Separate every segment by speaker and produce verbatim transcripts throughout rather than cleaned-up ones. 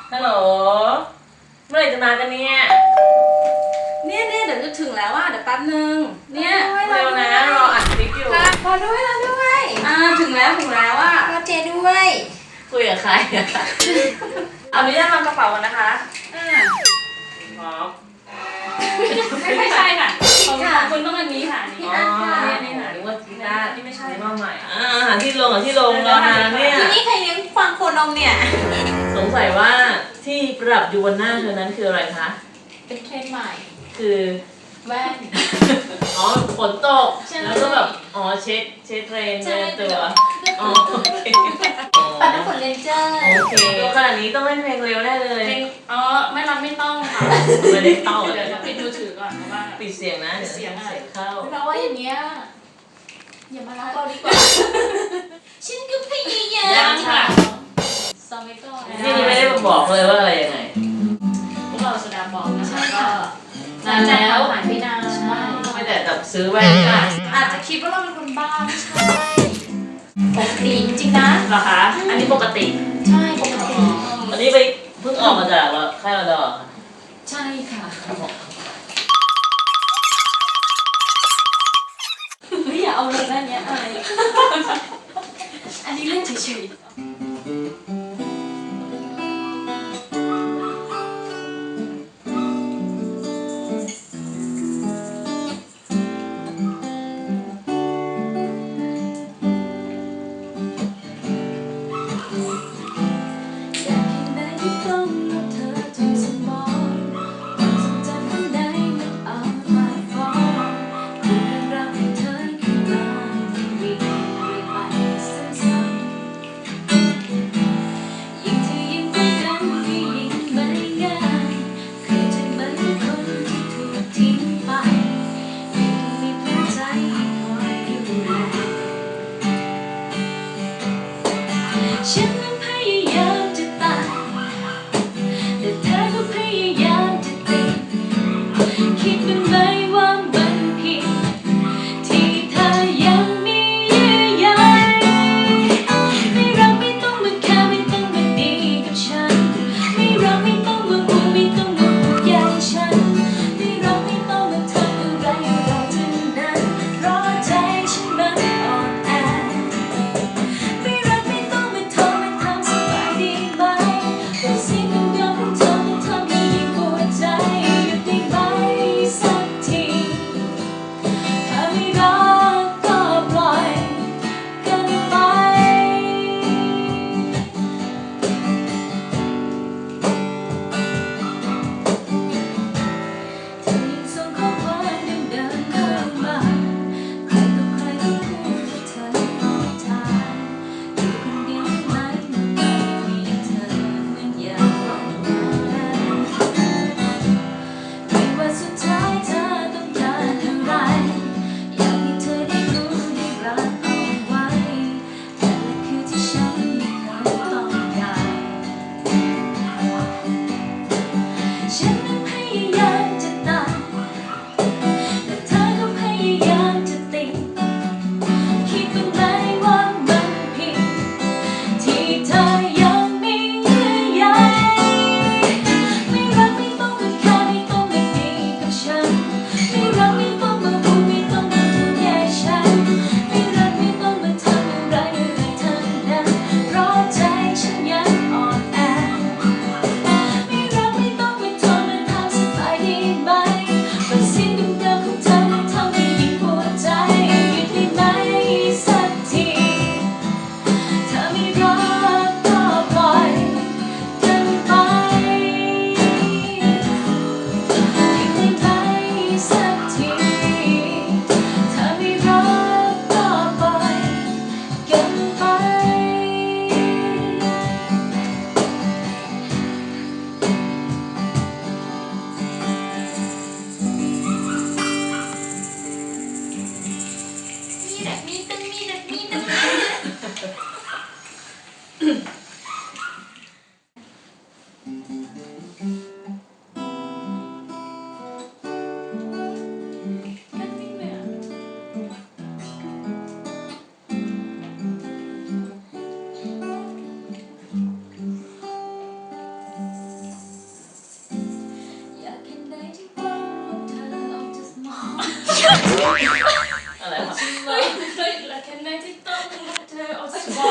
Speaker 1: ฮัลโหลเมื่อไหร่จะมากันเนี่ย
Speaker 2: เนี่ยเนี่ยเดี๋ยวจะถึงแล้วอ่ะเดี๋ยวแป๊บนึงเนี่ย
Speaker 1: เร็วนะรออัดคลิปอยู่
Speaker 2: รอด้วยรอด้วยอ่าถึงแล้วถึงแล้วอ่ะ
Speaker 3: รอเจด้วย
Speaker 1: คุยกับใครอะเอาอนุญาตวางกระเป๋าก่อนนะคะ
Speaker 2: อ่า
Speaker 1: พร้อม
Speaker 2: ไม่ไม่ใช่ค่ะของคุณต้องอันนี้ค่ะนี่
Speaker 1: อ๋อ
Speaker 2: นี่ค่ะ
Speaker 1: หรือว่าที่หน้าที่ไม่ใช่ว่าใหม่อ่าหาที่ลงอ่ะที่ลงรอนานเนี่ย
Speaker 3: ทีนี้ใครเลี้ยงฟางโคนมเนี่ย
Speaker 1: สงสัยว่าที่ประดับอยู่บนหน้าเธอนั้นคืออะไรคะ
Speaker 3: เป็นเทรนด์ใหม่
Speaker 1: คือ
Speaker 3: แว่น
Speaker 1: อ๋อฝนตกแล้วก็แบบอ๋อเช็ดเช็ดเทรนในตัวอ๋อโอเค
Speaker 3: ปัดน้ำฝนเลนเจอร์
Speaker 1: โอเคตัวขนาดนี้ต้องเล่นเพลงเร็วแน่เลย
Speaker 2: เพลงอ๋อไม่รับไม่ต้องค่ะ
Speaker 1: ไม่ได้ต้อง
Speaker 2: เดี๋ยวปิดมือถือก่อนเพราะว่า
Speaker 1: ปิดเสียงนะเดี๋ยวเสียงเข้า
Speaker 3: เพราะว่าอย่างเงี้ยอย่ามารักเราดีกว่าฉันก็พยายาม
Speaker 1: ค่ะ
Speaker 3: ซอมเมโก้
Speaker 1: นี่ไม่ได้บอกเลยว่าอะไรยังไง
Speaker 2: พวกเราสดาบอกนะคะก็
Speaker 3: นานแล้วหายไปนาน
Speaker 2: ใช่
Speaker 1: ไม่แต่แบบซื้อแว่นค่ะ
Speaker 2: อาจจะคิดว่าเราเป็นคนบ้าไม่ใช่
Speaker 3: ปกติจริงนะ
Speaker 1: เหรอคะอันนี้ปกติ
Speaker 3: ใช่ปกติ
Speaker 1: อันนี้ไปเพิ่งออกมาจากค่ายเราดอ
Speaker 3: ใช่ค่ะไม่อยากเอาเรื่องนั้นเนี้ยอะไรอันนี้เล่นเฉยๆฉันนั้นพยายามจะตายแต่เธอก็พยายามจะติดคิดเป็นไหมว่ามันผิดที่เธอยังมีเยื่อใยไม่รักไม่ต้องมาแค่ไม่ต้องมาดีกับฉันไม่รักไม่ต้องมาห่วงไม่ต้องมาห่วงใยฉันไม่รักไม่ต้องมาทำอะไรอะไรทั้งนั้นเพราะใจฉันมันอ่อนแอ
Speaker 1: อะไรวะ
Speaker 3: เฮ้ยเฮ้ยและแค่ไหนที่ต้องรักเธอออกจากบ้าน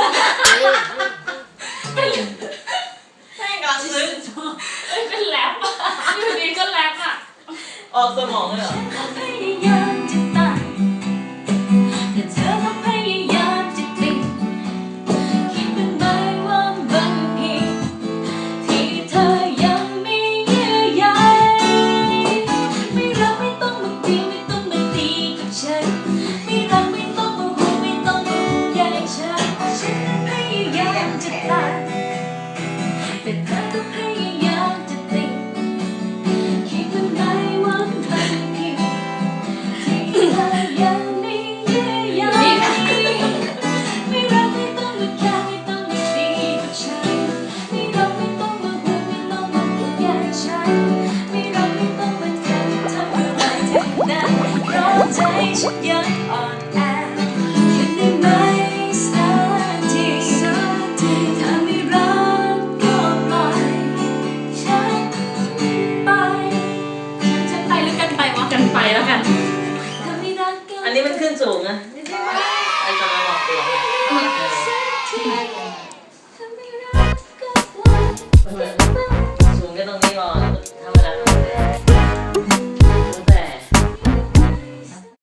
Speaker 1: ใช่กำลังซึ้ง
Speaker 3: เอ้ยเป็นแรปอ่ะอยู่ดีก็แรปอ่ะ
Speaker 1: ออกสมองเลยเหรอ
Speaker 3: พยายามจะตายแต่เธอก็พยายามจะติดคิดเป็นไหมว่าบางทีที่เธอยังมีเยื่อใยไม่รักไม่ต้องมาตีไม่ต้องมาตีกับฉันไม่รักไม่ต้องมาห่วงไม่ต้องมาห่วงใยฉันฉันพยายามจะตายแต่เธอก็พยายามจะติดคิดเป็นไหมว่าบางทีที่เธอยังมีเยื่อใยไม่รักไม่ต้องมาแค่ไม่ต้องมาตีกับฉันไม่รักไม่ต้องมาห่วงไม่ต้องมาห่วงใยฉันไม่รักไม่ต้องมาทำทำอะไรทั้งนั้นเพราะใจฉันยังอ่อนแอคิดได้ไหมสักทีถ้าไม่รักก็ปล่อยฉันไปฉันไปหรือกันไปวะ
Speaker 2: กันไปแล้วกัน
Speaker 3: ถ้าไม่รักก็
Speaker 1: อันนี้มันขึ้นสูงนะไอ้ตอนนั้นหลอกตัว
Speaker 3: สักที